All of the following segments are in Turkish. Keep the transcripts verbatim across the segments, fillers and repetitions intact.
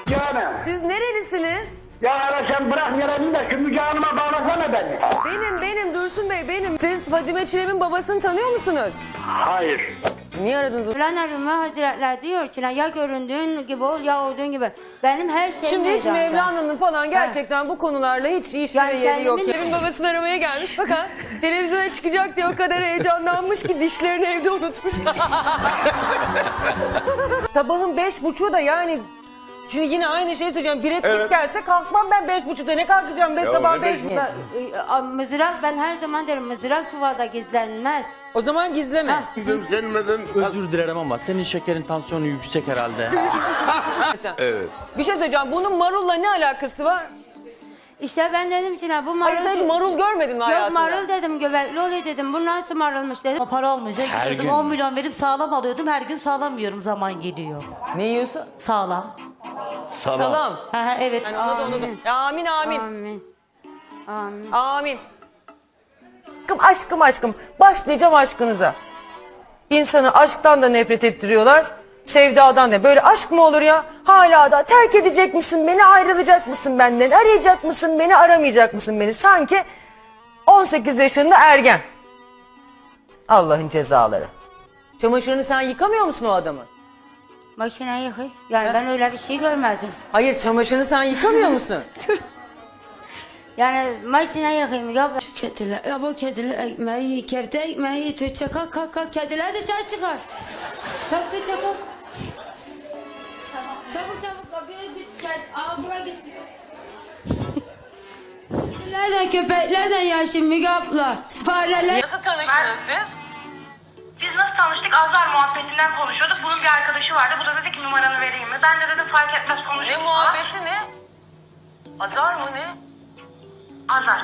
Yani. Siz nerelisiniz? Ya ara sen bırak yarayını da şu Müge Hanım'a bağlasana beni. Benim, benim Dursun Bey, benim. Siz Fadime Çilem'in babasını tanıyor musunuz? Hayır. Niye aradınız? Mevlana Rumi Hazretleri diyor ki ya göründüğün gibi ol ya olduğun gibi. Benim her şeyim Şimdi hiç meydanda. Mevlana'nın falan gerçekten bu konularla hiç işine Yani yeri yok. kendimin- Evin babasını aramaya gelmiş fakat televizyona çıkacak diye o kadar heyecanlanmış ki dişlerini evde unutmuş. Sabahın beş buçuğu da yani... Şimdi yine aynı şeyi söyleyeceğim. Bir etnik Evet. gelse kalkmam ben beş buçukta. Ne kalkacağım ben Ya sabah ne beş beş buçuk? Ba- e, Mızrak ben her zaman derim mızrak çuvalda gizlenmez. O zaman gizleme. Ha. Gelmeden... Özür dilerim ama senin şekerin tansiyonu yüksek herhalde. Evet. Bir şey söyleyeceğim. Bunun marulla ne alakası var? İşte ben dedim ki ne bu marul... Hayır sen hiç marul görmedin mi Yok hayatında? marul dedim göbekli oluyor dedim. Bu nasıl marulmuş dedim. Ama para olmayacak. Her Gidiyordum gün. on milyon verip sağlam alıyordum. Her gün sağlam yiyorum zaman geliyor. Ne yiyorsun? Sağlam. Salam. Salam. Ha, ha, evet. Yani ona da ona da. Ya, amin amin. Amin. Amin. Amin. Aşkım aşkım aşkım. Başlayacağım aşkınıza. İnsanı aşktan da nefret ettiriyorlar. Sevdadan da. Böyle aşk mı olur ya? Hala da terk edecek misin beni, ayrılacak mısın benden? Arayacak mısın beni, aramayacak mısın beni? Sanki on sekiz yaşında ergen. Allah'ın cezaları. Çamaşırını sen yıkamıyor musun o adamı? Makine yıkıyor. Yani ben öyle bir şey görmedim. Hayır, çamaşırını sen yıkamıyor musun? Yani makine yıkayım ya. Şu kediler, ya bu kediler ekmeği, kefte ekmeği, Tuğçe kalk kalk kalk, kediler dışarı çıkar. Kalk Tuğçe kalk. Tamam, çabuk çabuk kapıya git, gel, al buraya git. Kedilerden, köpeklerden yaşım Müge abla, fareler. Nasıl tanıştınız siz? Biz nasıl tanıştık? Azar muhabbetinden konuşuyorduk. Bunun bir arkadaşı vardı. Bu da dedi ki numaranı vereyim mi? Ben de dedim fark etmez konuşuruz. Ne muhabbeti ne? Azar mı ne? Azar.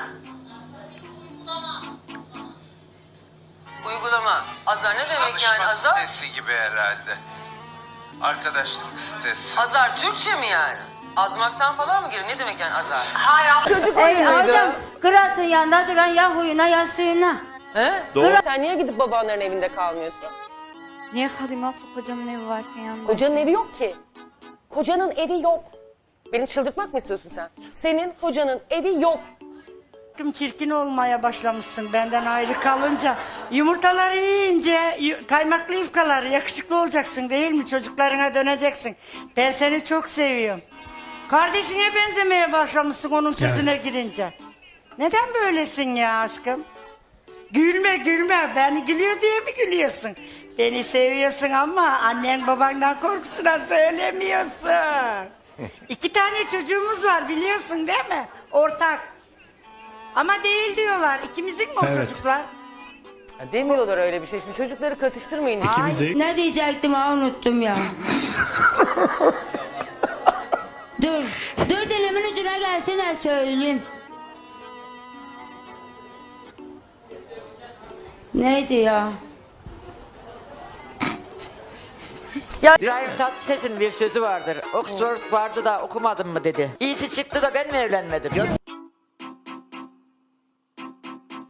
Uygulama. Azar ne demek yani Tanışma azar? sitesi gibi herhalde. Arkadaşlık sitesi. Azar Türkçe mi yani? Azmaktan falan mı geliyor? Ne demek yani azar? Hayır. Çocuk Ey adam, kıratın yanında duran ya huyuna ya suyuna. He? Doğru. Sen niye gidip babanların evinde kalmıyorsun? Niye kalayım abla kocamın evi varken yanında? Kocanın evi yok ki. Kocanın evi yok. Beni çıldırtmak mı istiyorsun sen? Senin kocanın evi yok. Çirkin olmaya başlamışsın benden ayrı kalınca. Yumurtaları yiyince yu- kaymaklı yufkalar yakışıklı olacaksın değil mi? Çocuklarına döneceksin. Ben seni çok seviyorum. Kardeşine benzemeye başlamışsın onun sözüne girince. Neden böylesin ya aşkım? Gülme gülme. Beni gülüyor diye mi gülüyorsun? Beni seviyorsun ama annen babandan korkusuna söylemiyorsun. İki tane çocuğumuz var biliyorsun değil mi? Ortak. Ama değil diyorlar. İkimizin mi o çocuklar? Ya demiyorlar öyle bir şey. Şimdi çocukları katıştırmayın. Ne diyecektim ha unuttum ya. Dur. Dur dilimin ucuna gelsene söyleyeyim. Neydi ya? İbrahim Tatlıses'in bir sözü vardır. Oxford vardı da okumadın mı dedi. İyisi çıktı da ben mi evlenmedim?